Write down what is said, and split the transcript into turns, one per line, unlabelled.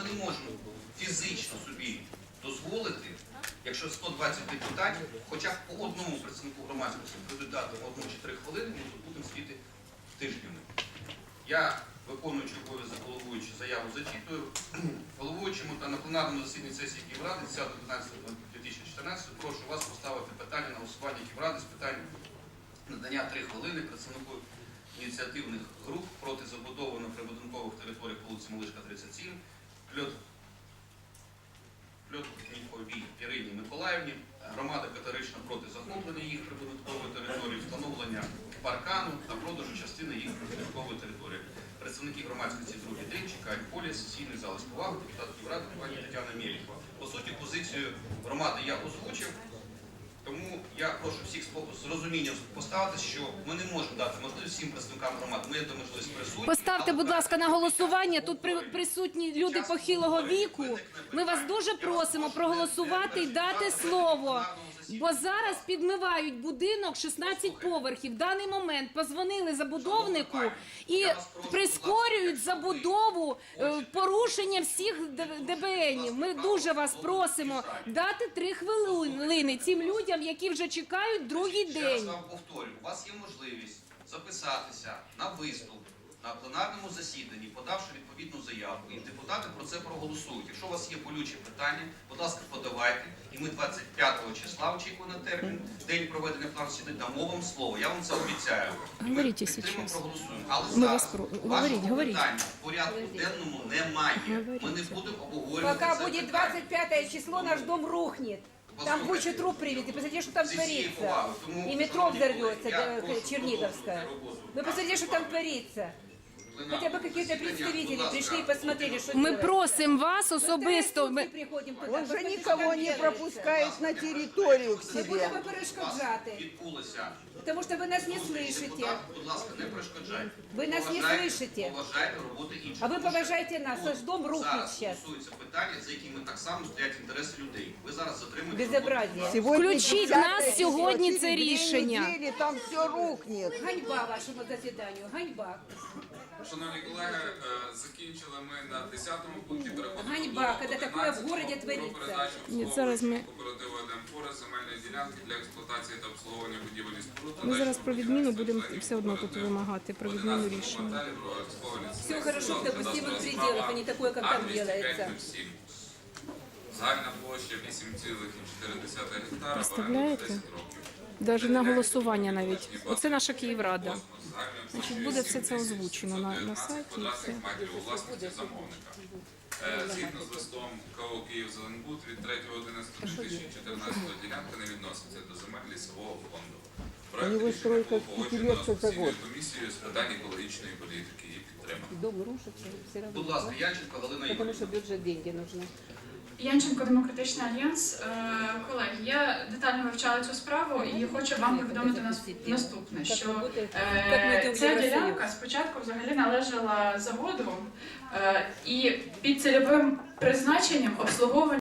не можемо фізично собі дозволити, якщо 120 депутатів, хоча б по одному представнику громадськості будуть дати 1 чи 3 хвилини, ми тут будемо сидіти тижнями. Я, виконуючи обов'язок головуючи, заяву зачитую. Головуючому та на пленарному засіданні сесії Київради 10.11.2014 прошу вас поставити питання на голосування Київради з питань надання 3 хвилини представнику ініціативних груп проти забудови на прибудинкових територіях вулиці Малишка, 37, Пльотковій Ірині Миколаївні, громада категорично проти захоплення їх прибудинкової території, встановлення паркану та продажу частини їх прибудинкової території. Представники громадськості другий день чекають полі, сесійний зал з поваги, депутат Київради, пані Тетяна Мєлікова. По суті, позицію громади я озвучив. Тому я прошу всіх з розумінням поставити, що ми не можемо дати можливість всім представникам громади. Ми є можливість присутні.
Поставте, будь ласка, на голосування. Тут присутні люди похилого віку. Ми вас дуже просимо проголосувати і дати слово. Бо зараз підмивають будинок 16 поверхів. В даний момент позвонили забудовнику і прискорюють забудову, порушення всіх ДБНів. Ми дуже вас просимо дати 3 хвилини цим людям, які вже чекають другий день.
Ще раз вам повторю, у вас є можливість записатися на виступ на пленарному засіданні, подавши відповідну заяву, і депутати про це проголосують. Якщо у вас є болючі питання, будь ласка, подавайте, і ми 25 числа, очікуємо на термін, день проведення пленарного засідання, дамо вам слово. Я вам це обіцяю.
Говоріть
Підтримуємо, проголосуємо. Але
Ми
зараз вашого
говоріть.
питання в порядку денному немає. Ми не будемо обговорювати це
Пока будет
питання.
25 число, наш дом рухнет. Там кучу труб привезли. Посмотрите, что там творится. И метро взорвется, Черниговская. Вы посмотрите, что там творится. Хотя бы какие-то представители пришли и посмотрели, что
Ми
делать.
просимо вас особисто.
Мы приходим туда.
Он же
посмотрите,
никого
что там
не
делается.
пропускает на территорию к
Мы
себе.
будем перешкоджати,
Відбулося.
потому что вы нас не слышите.
Депутат, будь ласка, не перешкоджайте.
Ви нас не слышите.
Поважайте роботи інших.
А ви поважайте нас, аж дом рухнет
Зараз
сейчас.
стосуються питання, за якими так само стоять інтереси людей. Ви зараз затримуєте
Безобразие.
Сегодня
Включить
10
нас
число,
сьогодні
через
це
2
рішення.
недели там все рухнет.
Ганьба вашому засіданню, ганьба.
Шановні колеги, закінчили ми на 10-му пункті, переходимо
Ганьба,
до
коли таке в городі
11-го,
твориться.
про передачу
Ні, зараз ми-
кооперативу «Демфорест» земельної ділянки для експлуатації та обслуговування будівель і споруд.
Ми зараз про відміну будемо все одно тут вимагати, про відміну рішення.
Все хорошо в допустимых пределах, а не такое, как там делается.
Загальна площа 8,4 гектара.
Представляєте?
10 років.
Навіть на голосування навіть. Оце наша Київрада. Значить, буде все це озвучено на сайті. І все.
Метрів у власності замовника. Згідно з листом КО «Київзеленбуд» від 3.11.2014 ділянка не відноситься до земель лісового фонду. Проект рішення було погоджено з постійною комісією з питань екологічної політики і підтримано.
Дом рушится, все равно.
Будь ласка, Янченко Галина
Потому
Ігорівна.
что бюджет деньги нужны.
Янченко, Демократичний альянс. Колеги, я детально вивчала цю справу і хочу вам повідомити наступне, що ця ділянка спочатку взагалі належала заводу і під цільовим призначенням обслуговування